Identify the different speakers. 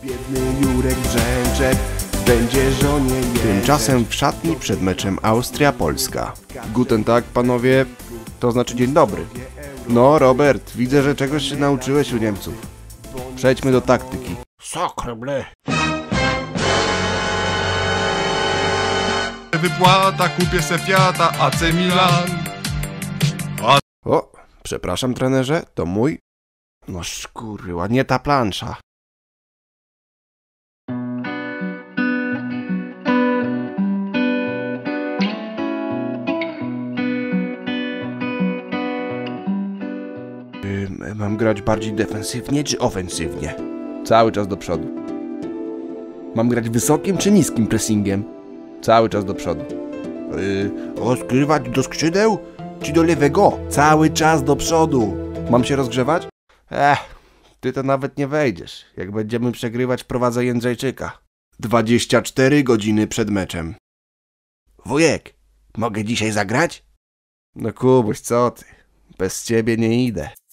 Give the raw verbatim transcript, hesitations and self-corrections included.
Speaker 1: Biedny Jurek Brzęczek będzie żonie jęczeć.
Speaker 2: Tymczasem w szatni przed meczem Austria-Polska. Guten Tag, panowie, to znaczy dzień dobry. No, Robert, widzę, że czegoś się nauczyłeś u Niemców. Przejdźmy do taktyki.
Speaker 1: Sacre bleu.
Speaker 3: Wypłata, kupię se Fiata, A C Milan.
Speaker 2: O, przepraszam, trenerze, to mój? No szkurła, nie ta plansza. Yy, mam grać bardziej defensywnie czy ofensywnie? Cały czas do przodu. Mam grać wysokim czy niskim pressingiem? Cały czas do przodu. Yy, rozgrywać do skrzydeł czy do lewego? Cały czas do przodu. Mam się rozgrzewać? Ech, ty to nawet nie wejdziesz. Jak będziemy przegrywać, wprowadzę Jędrzejczyka. dwadzieścia cztery godziny przed meczem. Wujek, mogę dzisiaj zagrać? No Kubuś, co ty? Bez ciebie nie idę.